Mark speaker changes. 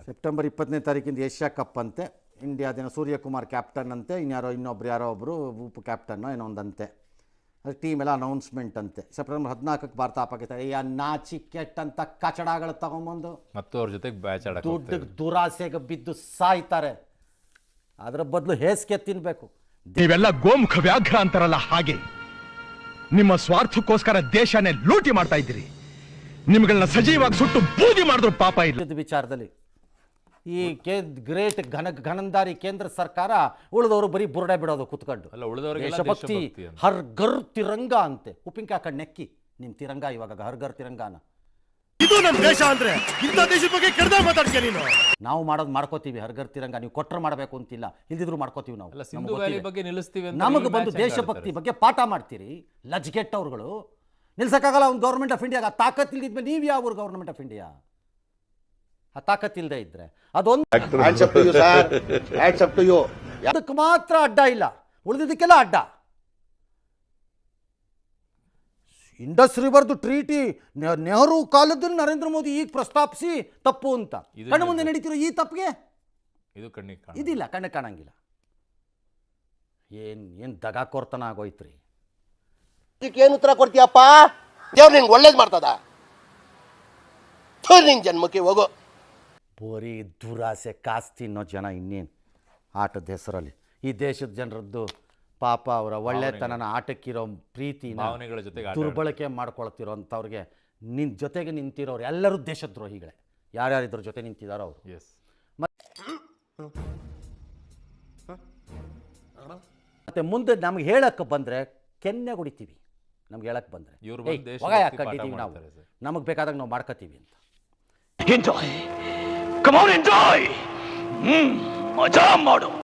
Speaker 1: September 20ನೇ ತಾರೀಕಿಂದ Asia cup ಅಂತೆ. ಇಂಡಿಯಾದಿನ Suryakumar captain ಅಂತೆ, ಇನ್ನೊಬ್ಬರು ಒಬ್ಬರು ಉಪ ಕ್ಯಾಪ್ಟನ್ನೋ ಏನೋ ಒಂದಂತೆ. ಅದು ಟೀಮ್ ಎಲ್ಲ ಅನೌನ್ಸ್ಮೆಂಟ್ ಅಂತೆ. ಸೆಪ್ಟೆಂಬರ್ 14ಕ್ಕೆ ಭಾರತ ಪಾಕಿಸ್ತಾನ ನಾಚಿಕೆಟ್ ಅಂತ ಕಚಡಗಳು ತಗೊಂಬಂದು
Speaker 2: ಮತ್ತು ಅವ್ರ ಜೊತೆಗೆ ಬ್ಯಾಚ್
Speaker 1: ದುಡ್ಡಿಗೆ ದುರಾಸೆಗೆ ಬಿದ್ದು ಸಾಯ್ತಾರೆ. ಅದರ ಬದಲು ಹೇಸಿಗೆ ತಿನ್ನಬೇಕು.
Speaker 3: ನೀವೆಲ್ಲ ಗೋಮುಖ ವ್ಯಾಘ್ರ ಅಂತಾರಲ್ಲ, ಹಾಗೆ ನಿಮ್ಮ ಸ್ವಾರ್ಥಕ್ಕೋಸ್ಕರ ದೇಶನೇ ಲೂಟಿ ಮಾಡ್ತಾ ಇದ್ದೀರಿ. ನಿಮ್ಗಳನ್ನ ಸಜೀವಾಗಿ ಸುಟ್ಟು ಬೂದಿ ಮಾಡಿದ್ರು ಪಾಪ ಇಲ್ಲ.
Speaker 1: ವಿಚಾರದಲ್ಲಿ ಈ ಗ್ರೇಟ್ ಘನಂದಾರಿ ಕೇಂದ್ರ ಸರ್ಕಾರ ಉಳಿದವರು ಬರೀ ಬುರುಡೆ ಬಿಡೋದು ಕುತ್ಕೊಂಡು. ದೇಶಭಕ್ತಿ ಹರ್ ಘರ್ ತಿರಂಗ ಅಂತೆ. ಉಪ್ಪಿನಕಾಯಿ ಹಾಕೊಂಡು ನೆಕ್ಕಿ ನಿಮ್ ತಿರಂಗ ಇವಾಗ ಹರ್ ಘರ್ ತಿರಂಗಾನ.
Speaker 3: ಇದು ನಮ್ಮ ದೇಶ ಅಂದ್ರೆ ಇಂಥ ದೇಶದ ಬಗ್ಗೆ ಕೆಡದ ಮಾತಾಡ್ತೀಯ ನೀನು.
Speaker 1: ನಾವು ಮಾಡೋದು ಮಾಡ್ಕೋತೀವಿ ಹರ್ ಘರ್ ತಿರಂಗ. ನೀವು ಕೊಟ್ಟರೆ ಮಾಡಬೇಕು ಅಂತಿಲ್ಲ, ಇಲ್ದಿದ್ರು ಮಾಡ್ಕೋತೀವಿ ನಾವು. ನಮಗೆ ಬಂದು ದೇಶಭಕ್ತಿ ಬಗ್ಗೆ ಪಾಠ ಮಾಡ್ತೀರಿ ಲಜ್ಗೆಟ್ಟವ್ರುಗಳು. ನಿಲ್ಸಕ್ಕಾಗಲ್ಲ ಒಂದು ಗೌರ್ಮೆಂಟ್ ಆಫ್ ಇಂಡಿಯಾಗ ತಾಕತ್ ಇಲ್ದಿದ್ಮೇಲೆ ನೀವು ಯಾವ ಗೌರ್ಮೆಂಟ್ ಆಫ್ ಇಂಡಿಯಾ? ಆ ತಾಕತ್ ಇಲ್ಲದೆ ಇದ್ರೆ ಅದೊಂದು ಅದಕ್ಕೆ ಮಾತ್ರ ಅಡ್ಡ ಇಲ್ಲ, ಉಳಿದಿದ್ದಕ್ಕೆಲ್ಲ ಅಡ್ಡ. ಇಂಡಸ್ ರಿವರ್ದು ಟ್ರೀಟಿ ನೆಹರು ಕಾಲದಲ್ಲಿ ನರೇಂದ್ರ ಮೋದಿ ಈಗ ಪ್ರಸ್ತಾಪಿಸಿ ತಪ್ಪು ಅಂತ ಕಣ್ಣು ಮುಂದೆ ನಡೀತಿರೋ ಈ ತಪ್ಪಿಗೆ ಇದಿಲ್ಲ, ಕಣ್ಣು ಕಾಣಂಗಿಲ್ಲ. ಏನ್ ದಗಾಕೋರ್ತನ ಆಗೋಯ್ತ್ರಿ.
Speaker 4: ಏನು ಉತ್ತರ ಕೊಡ್ತೀಯಪ್ಪ? ದೇವ್ರು ನಿಂಗೆ ಒಳ್ಳೇದು ಮಾಡ್ತದ? ನಿನ್ ಜನ್ಮಕ್ಕೆ ಹೋಗೋ.
Speaker 1: ಬರೀ ದುರಾಸೆ ಕಾಸು ತಿನ್ನೋ ಜನ ಇನ್ನೇನು ಆಟದ ಹೆಸರಲ್ಲಿ. ಈ ದೇಶದ ಜನರದ್ದು ಪಾಪ ಅವರ ಒಳ್ಳೆತನನ ಆಟಕ್ಕಿರೋ ಪ್ರೀತಿನ ದುರ್ಬಳಕೆ ಮಾಡ್ಕೊಳ್ತಿರೋ ಅಂಥವ್ರಿಗೆ ಜೊತೆಗೆ ನಿಂತಿರೋರು ಎಲ್ಲರೂ ದೇಶದ್ರೋಹಿಗಳೇ. ಯಾರ್ಯಾರಿದ್ರ ಜೊತೆ ನಿಂತಿದ್ದಾರೋ ಅವರು. ಮತ್ತೆ ಮುಂದೆ ನಮ್ಗೆ ಹೇಳಕ್ಕೆ ಬಂದರೆ ಕೆನ್ನೆ ಹೊಡಿತೀವಿ. ನಮ್ಗೆ ಹೇಳಕ್ಕೆ ಬಂದರೆ ಹಾಕೊಂಡಿದ್ದೀವಿ ನಾವು, ನಮಗೆ ಬೇಕಾದಾಗ ನಾವು ಮಾಡ್ಕೋತೀವಿ ಅಂತ.
Speaker 3: ಎಂಜಾಯ್, ಕಮ್ ಆನ್ ಎಂಜಾಯ್, ಮಜಾ ಮಾಡು.